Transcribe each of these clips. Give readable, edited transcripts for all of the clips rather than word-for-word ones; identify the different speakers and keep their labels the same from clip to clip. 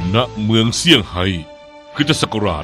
Speaker 1: ณเมืองเซี่ยงไฮ้คริสตศักราช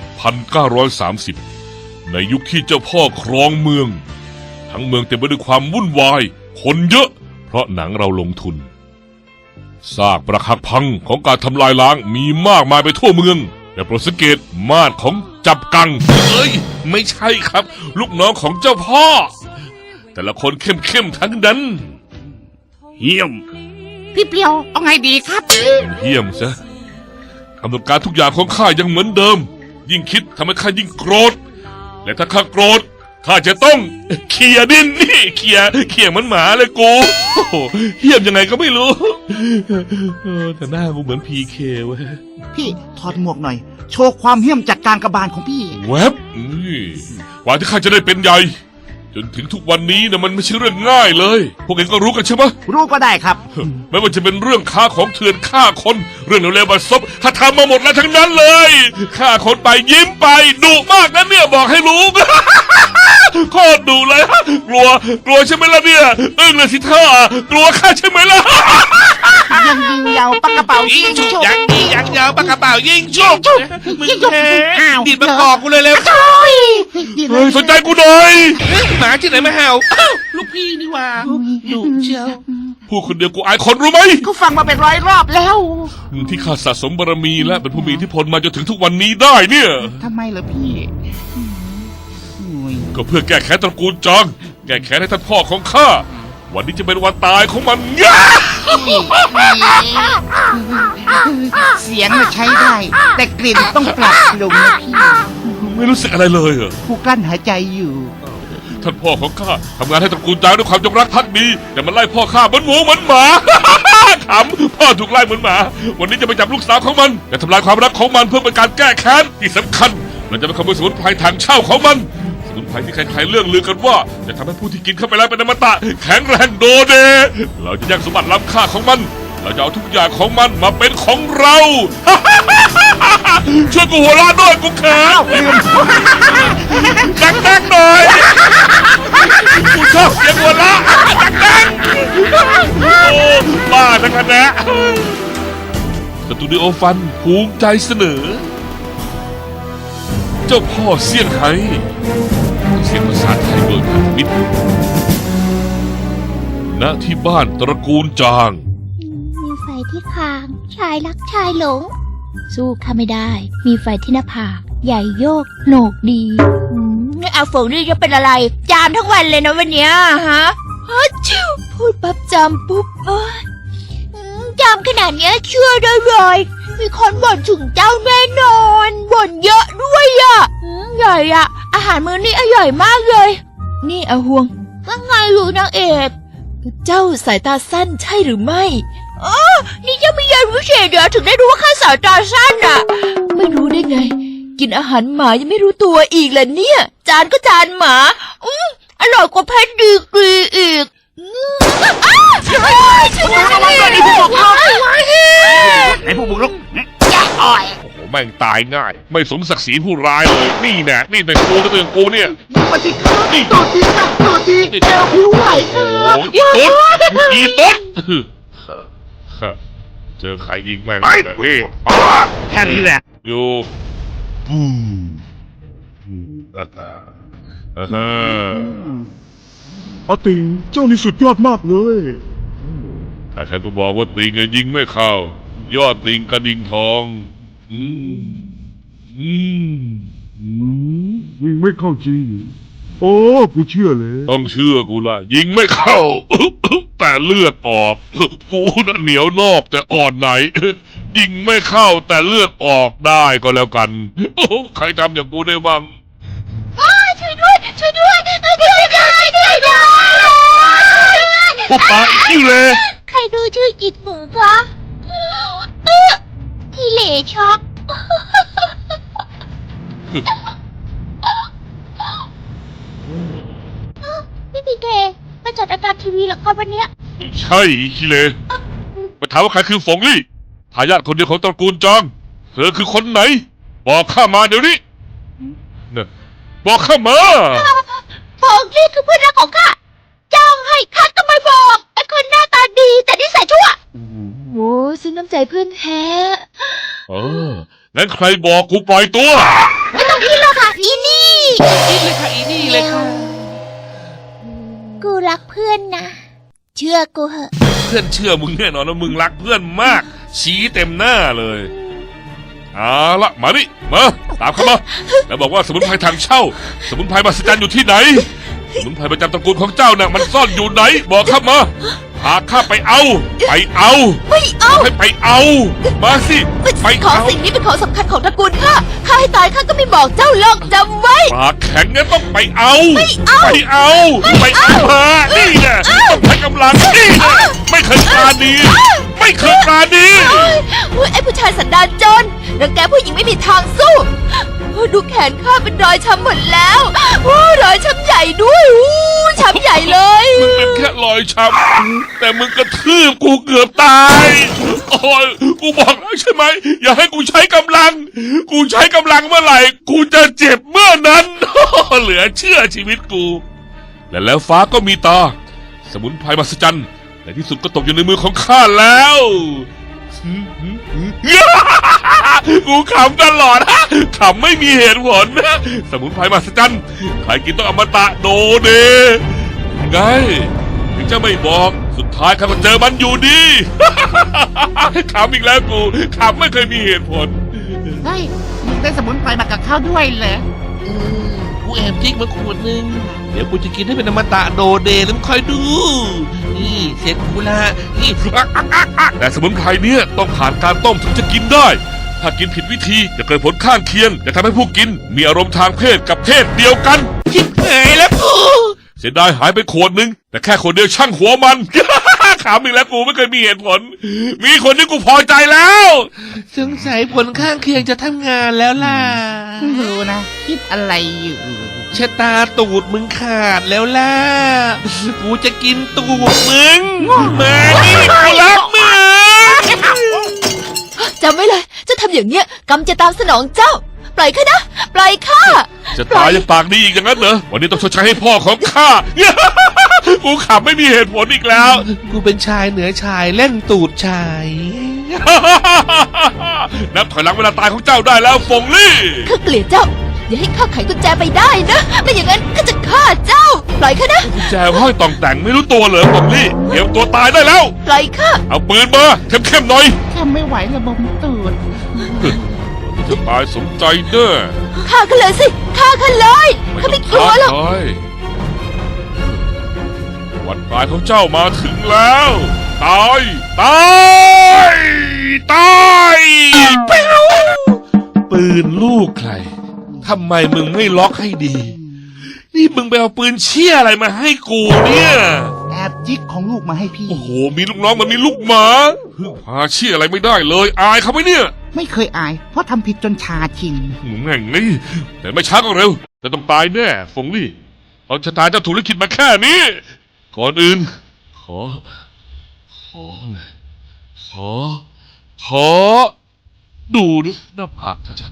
Speaker 1: 1930ในยุคที่เจ้าพ่อครองเมืองทั้งเมืองเต็มไปด้วยความวุ่นวายคนเยอะเพราะหนังเราลงทุนซากปรักหักพังของการทำลายล้างมีมากมายไปทั่วเมืองแต่โปรดสังเกตมาดของจับกังไม่ใช่ครับลูกน้องของเจ้าพ่อแต่ละคนเข้มทั้งนั้นเหี้ยม
Speaker 2: พี่เปียวเอาไงดีครับ
Speaker 1: เหี้ยมซะกำหนดการทุกอย่างของข้ายังเหมือนเดิมยิ่งคิดทำให้ข้ายิ่งโกรธและถ้าข้าโกรธข้าจะต้องเขี่ยดินนี่เขี่ยเหมือนหมาเลยกูเหี้ยมยังไงก็ไม่รู้แต่หน้ากูเหมือนพีเคเว้ย
Speaker 2: พี่ถอดหมวกหน่อยโชว์ความเหี้ยมจากการกระบาลของพี่
Speaker 1: แวบกว่าที่ข้าจะได้เป็นใหญ่จนถึงทุกวันนี้นะมันไม่ใช่เรื่องง่ายเลยพวกเองก็รู้กันใช่ไหม
Speaker 2: รู้ก็ได้ครับ
Speaker 1: ไม่ว่าจะเป็นเรื่องค้าของเถื่อนฆ่าคนเรื่องเลวๆบัดซบข้าทำมาหมดแล้วทั้งนั้นเลยฆ่าคนไปยิ้มไปดุมากนะเนี่ยบอกให้รู้โคตรดุเลยกลัวใช่ไหมล่ะเนี่ยอึ้งเลยสิท่ากลัวข้าใช่ไหมล่ะ
Speaker 2: ยังยิงยาวปากกระเป๋ายิงชุบ
Speaker 3: ยังดียังยาวปากกระเป๋ายิงชุบมึงแพ้ดีดมากอกกูเลยเร็ว
Speaker 1: สนใจกูหน่อย
Speaker 3: หมาที่ไหนมาเห่าลูกพี่นี่ว่าดุเชียว
Speaker 1: พูดคนเดียวกูอายคนรู้ไหม
Speaker 2: เขาฟังมาเป็นร้อยรอบแล้ว
Speaker 1: ที่ข้าสะสมบารมีและเป็นผู้มีอิทธิพลมาจนถึงทุกวันนี้ได้เนี่ย
Speaker 2: ทำไมเหรอพี่
Speaker 1: ก็เพื่อแก้แค้นตระกูลจางแก้แค้นให้ท่านพ่อของข้าวันนี้จะเป็นวันตายของมัน
Speaker 2: เสียงมันใช้ได้แต่กลิ่นต้องปรับลงนะพี่
Speaker 1: ไม่รู้สึกอะไรเลยเหรอ
Speaker 2: ผู้กลั้นหายใจอยู่
Speaker 1: ท่านพ่อของข้าทำงานให้ตระกูลจางด้วยความจงรักภักดีแต่มันไล่พ่อข้าเหมือนหมูเหมือนหมาขำพ่อถูกไล่เหมือนหมาวันนี้จะไปจับลูกสาวของมันจะทำลายความรักของมันเพื่อเป็นการแก้แค้นที่สำคัญเราจะไปขโมยสมุนไพรทางเช่าของมันสมุนไพรที่ใครๆเรื่องลือกันว่าจะทำให้ผู้ที่กินเข้าไปแล้วเป็นอมตะแข็งแรงโดเดเราจะยังสมบัติล้ำค่าของมันเราจะเอาทุกอย่างของมันมาเป็นของเราช่วยกูหัวเราะด้วยกูเขินดังๆหน่อยกูชอบเสียงหัวเราะดังๆโอ้บ้าทั้งคณะสตูดิโอฟันภูมิใจเสนอเจ้าพ่อเซี่ยงไฮ้เสียงภาษาไทยโดยพันมิตรณที่บ้านตระกูลจาง
Speaker 4: มีไฟที่คางชายรักชายหลงสู้ข้าไม่ได้มีไฟที่หน้าผากใหญ่โยกโหนกดีอาฝงนี่จะเป็นอะไรจามทั้งวันเลยนะวันเนี้ยฮะชิวพูดปั๊บจามปุ๊บจามขนาดเนี้ยเชื่อได้เลยมีคนบ่นถึงเจ้าแน่นอนบ่นเยอะด้วยอ่ะใหญ่อ่ะอาหารมื้อนี้อร่อยมากเลยนี่อาหวงว่าไงรู้นางเอกเจ้าสายตาสั้นใช่หรือไม่นี่ยังไม่ยังรู้เฉยเดี๋ยวถึงได้รู้ว่าข้าสายตาสั้นอ่ะไม่รู้ได้ไงกินอาหารหมายังไม่รู้ตัวอีกแหละเนี่ยจานก็จานหมาอร่อยกว่าแพนดีกรีอีกช่วย
Speaker 2: ไอ้ผู้บุกรุกไอ้ผู้บุกรุกแย่อ่อย
Speaker 1: โอ้โหแม่งตายง่ายไม่สมศักดิ์ศรีผู้ร้ายเลยนี่แน่นี่แต่กูก็เตือนกูเนี่ย
Speaker 2: มาสิครับตัวจริงครับตัวจริงแกผิวไหว
Speaker 1: อีตุ๊ดเจอใครยิงแม่งเลยพี่
Speaker 2: แค่นี้แหละ
Speaker 1: อยู่บู
Speaker 5: อาติงเจ้านี่สุดยอดมากเลย
Speaker 1: ถ้าฉันก็บอกว่าติงยิงไม่เข้ายอดติงกระดิ่งทอง
Speaker 5: ยิงไม่เข้าจริงโอ้กูเชื่อเลย
Speaker 1: ต้องเชื่อกูละยิงไม่เข้าแต่เลือดออกกูน่ะเหนียวนอกแต่อ่อนไหนยิงไม่เข้าแต่เลือดออกได้ก็แล้วกันใครทำอย่างกูได้บ้าง
Speaker 4: ช่วยด้วยช่วยด้วย
Speaker 1: พวกปากอิ่วเลย
Speaker 4: ใครดูชื่อจิตหมูคะที่เหล่ช็อกพี่พีเคมาจัดรายการทีวีหรอครับวันเนี้ย
Speaker 1: ใช่คิเลมาถามว่าใครคือฝงลี่ทายาทคนเดียวของตระกูลจางเธอคือคนไหนบอกข้ามาเดี๋ยวนี้เนี่ยบอกข้ามา
Speaker 4: ฝงลี่คือเพื่อนรักของข้าจ้างให้ข้าก็ไม่บอกไอ้คนหน้าตาดีแต่นิสัยชั่วโอ้ซึ้งน้ำใจเพื่อนแท้
Speaker 1: งั้นใครบอกกูปล่อยตัว
Speaker 4: ไม่ต้องคิดหรอกค่ะอีนี่
Speaker 3: อีเลยค่ะอีนี่เลยค่ะ
Speaker 4: กูรักเพื่อนนะ เชื่อกูเหอะ
Speaker 1: เพื่อนเชื่อมึงแน่นอนว่ามึงรักเพื่อนมาก ชี้เต็มหน้าเลยเอาละมานี่มาตามเข้ามาแล้วบอกว่าสมุนไพรทางเช่า สมุนไพรมหัศจรรย์อยู่ที่ไหน สมุนไพรประจำตระกูลของเจ้าน่ะมันซ่อนอยู่ไหน บอกข้ามาพาข้าไปเอา ไปเอา
Speaker 4: ไม่เอา
Speaker 1: ให้ไปเอา มาสิไป
Speaker 4: ของ
Speaker 1: เอา
Speaker 4: สิ่งนี้เป็นของสำคัญของตระกูลข้าให้ตายข้าก็ไม่บอกเจ้าหรอกจำไว้
Speaker 1: ปากแข็งงั้นต้องไปเอา
Speaker 4: ไม่เอา
Speaker 1: ไปเอาไปเอามานี่ไงต้องใช้กำลังนี่ไงไม่เคยปราณีไม่เคยปราณี
Speaker 4: เฮ้ยไอ้ผู้ชายสันดานจนรังแกผู้หญิงไม่มีทางสู้โอ้ดูแขนข้าเป็นรอยช้ำหมดแล้วโอ้รอยช้ำใหญ่ด้วยช้ำใหญ่เลย
Speaker 1: มึงเป็นแค่รอยช้ำแต่มึงกระทืบกูเกือบตายโอ้ยกูบอกแล้วใช่ไหมอย่าให้กูใช้กำลัง กูใช้กำลังเมื่อไหร่กูจะเจ็บเมื่อนั้นเหลือเชื่อชีวิตกู และแล้วฟ้าก็มีตา สมุนไพรมหัศจรรย์ในที่สุดก็ตกอยู่ในมือของข้าแล้วกูขำตลอดขำไม่มีเหตุผลสมุนไพรมหัศจรรย์ใครกินต้องอมตะโดเดไงถึงจะไม่บอกสุดท้ายข้าก็เจอมันอยู่ดี ขำอีกแล้วกูขำไม่เคยมีเหตุผล
Speaker 2: เฮ้ยมึงได้สมุนไพรมากับข้าวด้วยเหรอ
Speaker 3: กูแอบจิกมาขวดนึง เดี๋ยวกูจะกินให้เป็นอมตะโดเดย์แล้วมึงคอยดู นี่เสร็จกูละนี่
Speaker 1: แต่สมุนไพรเนี่ยต้องผ่านการต้มถึงจะกินได้ ถ้ากินผิดวิธีจะเกิดผลข้างเคียงจะทำให้ผู้กินมีอารมณ์ทางเพศกับเพศเดียวกัน
Speaker 3: ชิบหายแล้วกู
Speaker 1: เสียดายหายไปขวดนึงแต่แค่ขวดเดียวช่างหัวมัน ขำอีกแล้วกูไม่เคยมีเหตุผล มีคนที่กูพอใจแล้ว
Speaker 3: สงสัยผลข้างเคียงจะทำงานแล้วล่ะ
Speaker 2: ไม่รู้นะ คิดอะไรอยู่
Speaker 3: ชะตาตูดมึงขาดแล้วล่ะ กูจะกินตูดมึงมานี่กูรักมึง
Speaker 4: จำไว้เลยเจะทำอย่างเนี้ยกรรมจะตามสนองเจ้า ปล่อยข้านะ ปล่อยข้า
Speaker 1: จะตายยังปากดีอีกอย่างนั้นเหรอวันนี้ต้องชดใช้ให้พ่อของข้า กูขำไม่มีเหตุผลอีกแล้ว
Speaker 3: กูเป็นชายเหนือชายเล่นตูดชาย
Speaker 1: นับถอยหลังเวลาตายของเจ้าได้แล้วฟงลี่
Speaker 4: ข้าเกลียดเจ้า อย่าให้ข้าไขกุญแจไปได้นะ ไม่อย่างนั้นข้าจะฆ่าเจ้า ปล่อยข้านะ
Speaker 1: กุญแจห้อยต่องแต่งไม่รู้ตัวเหรอฟงลี่เตรียมตัวตายได้แล้ว
Speaker 4: ปล่อยข้า
Speaker 1: เอาปืนมาเข้มๆหน่อย
Speaker 2: แค่ไม่ไหวระบมตูด
Speaker 1: จะตายสมใจเด้อ
Speaker 4: ฆ่าข้าเลยสิฆ่าข้าเลยข้าไม่กลัวหรอก
Speaker 1: ท้าทายวันตายของเจ้ามาถึงแล้ว ตาย ตาย ตายปิ้วปืนลูกใคร ทำไมมึงไม่ล็อกให้ดี นี่มึงไปเอาปืนเชี่ยอะไรมาให้กูเนี่ย
Speaker 2: แอบจิกของลูกมาให้พี่
Speaker 1: โอ้โห มีลูกน้องมันมีลูกหมาพาเชี่ยอะไรไม่ได้เลย อายเขาไหมเนี่ย
Speaker 2: ไม่เคยอาย เพราะทำผิดจนชาชิน
Speaker 1: หนูแง่งนี่แต่ไม่ช้าก็เร็ว แต่ต้องตายแน่ฟงลี่เอาชะตาเจ้าถูกลิขิตมาแค่นี้ ก่อนอื่น ขอ ดูดิหน้าผากชัด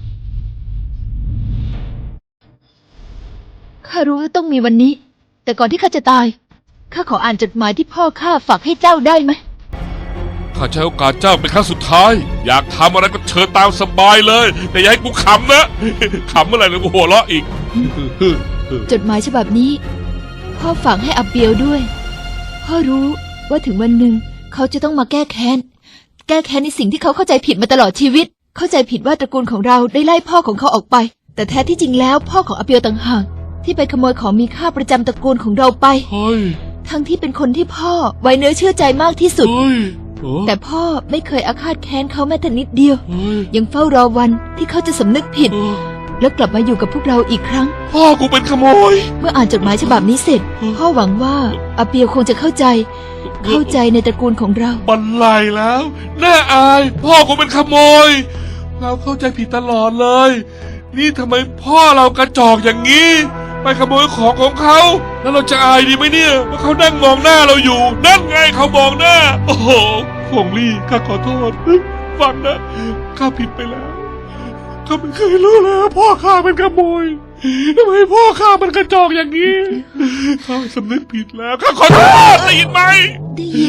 Speaker 4: ข้ารู้ว่าต้องมีวันนี้ แต่ก่อนที่ข้าจะตายข้าขออ่านจดหมายที่พ่อข้าฝากให้เจ้าได้ไหม
Speaker 1: ๆข้าใช้โอกาสเจ้าเป็นครั้งสุดท้าย อยากทำอะไรก็เชิญตามสบายเลย แต่อย่าให้กูขำนะ ขำเมื่อไหร่เลยกูหัวเราะอีก
Speaker 4: จดหมายฉบับนี้ พ่อฝากให้อับเบียวด้วย พ่อรู้ว่าถึงวันหนึ่งเขาจะต้องมาแก้แค้นในสิ่งที่เขาเข้าใจผิดมาตลอดชีวิต เข้าใจผิดว่าตระกูลของเราได้ไล่พ่อของเขาออกไป แต่แท้ที่จริงแล้วพ่อของอับเบียวต่างหากที่ไปขโมยของมีค่าประจำตระกูลของเราไป
Speaker 1: เฮ้ย
Speaker 4: ทั้งที่เป็นคนที่พ่อไว้เนื้อเชื่อใจมากที่สุด
Speaker 1: เฮ้ยโอ้
Speaker 4: แต่พ่อไม่เคยอาฆาตแค้นเขาแม้แต่นิดเดียว
Speaker 1: เฮ้ย
Speaker 4: ยังเฝ้ารอวันที่เขาจะสำนึกผิด แล้วกลับมาอยู่กับพวกเราอีกครั้ง
Speaker 1: พ่อกูเป็นขโมย
Speaker 4: เมื่ออ่านจดหมายฉบับนี้เสร็จ พ่อหวังว่าอาเปียวคงจะเข้าใจในตระกูลของเรา
Speaker 1: บันไลแล้ว น่าอาย พ่อกูเป็นขโมย เราเข้าใจผิดตลอดเลย นี่ทำไมพ่อเรากระจอกอย่างนี้ ไปขโมยของของเขา แล้วเราจะอายดีไหมเนี่ยว่าเขานั่งมองหน้าเราอยู่ นั่นไงเขามองหน้า โอ้โหฟงลี่ข้าขอโทษ ฟังนะข้าผิดไปแล้วข้าไม่เคยรู้เลยว่าพ่อข้าเป็นขโมยทำไมพ่อข้ามันกระจอกอย่างนี้ข้าสำนึกผิดแล้วข้าขอโทษได้ยินไหม
Speaker 4: ได้ยิน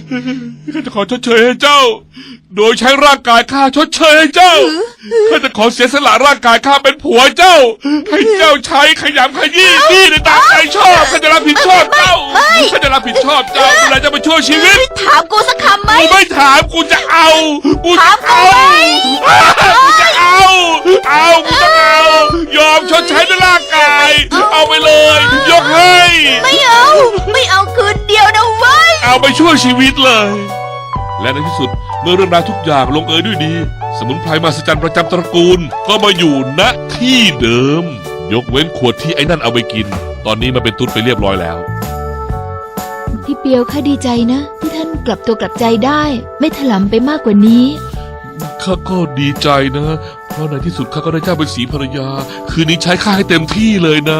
Speaker 1: ข้าจะขอชดเชยให้เจ้า โดยใช้ร่างกายข้าชดเชยให้เจ้า ข้าจะขอเสียสละร่างกายข้าเป็นผัวเจ้า ให้เจ้าใช้ขยำขยี้นี่ในตามใจชอบข้าจะรับผิดชอบเจ้า ข้าจะรับผิดชอบเจ้าดูแลเจ้าไปชั่วชีวิต
Speaker 4: ถามกูสักคำไหม
Speaker 1: กูไม่ถามกูจะเอา กูจะเอา กูจะเอากูจะเอา ยอมชดใช้ด้วยร่างกาย เอาไปเลย ยกให้
Speaker 4: ไม่เอา ไม่เอาคืนเดียวนะเว้ย
Speaker 1: เอาไปช่วยชีวิตเลย และในที่สุดเมื่อเรื่องราวทุกอย่างลงเอยด้วยดี สมุนไพรมหัศจรรย์ประจำตระกูล ก็มาอยู่ณที่เดิม ยกเว้นขวดที่ไอ้นั่นเอาไปกิน ตอนนี้มันเป็นตุ๊ดไปเรียบร้อยแล้ว
Speaker 4: พี่เปียวข้าดีใจนะ ที่ท่านกลับตัวกลับใจได้ ไม่ถลำไปมากกว่านี้
Speaker 1: ข้าก็ดีใจนะ เพราะในที่สุดข้าก็ได้เจ้าเป็นสีภรรยา คืนนี้ใช้ข้าให้เต็มที่เลยนะ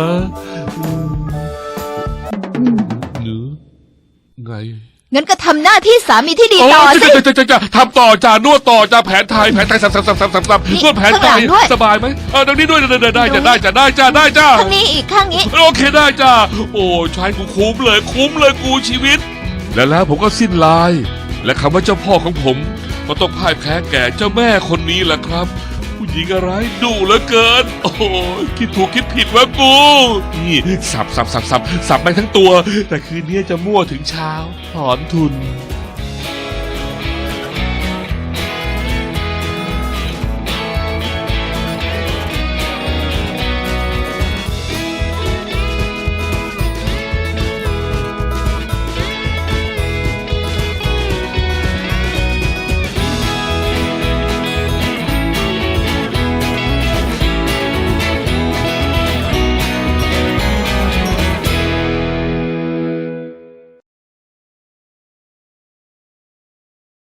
Speaker 1: หรือไง
Speaker 4: งั้นก็ทำหน้าที่สามีที่ดี
Speaker 1: โอ้
Speaker 4: ต่อสิ
Speaker 1: จะทำต่อจ้านวดต่อจ้าแผนไทยสับนวดแผนไทย
Speaker 4: ข้างหลังด้วย
Speaker 1: สบายไหมดังนี้ด้วยได้จ้า
Speaker 4: ข้างนี้อีกข้างนี้
Speaker 1: โอเคได้จ้าโอ้ใช้กูคุ้มเลยกูชีวิต แล้วผมก็สิ้นลาย และคำว่าเจ้าพ่อของผมก็ต้องพ่ายแพ้แก่เจ้าแม่คนนี้แหละครับ ผู้หญิงอะไรดุเหลือเกิน โอ้คิดถูกคิดผิดวะกูนี่สับไปทั้งตัว แต่คืนนี้จะมั่วถึงเช้าถอนทุน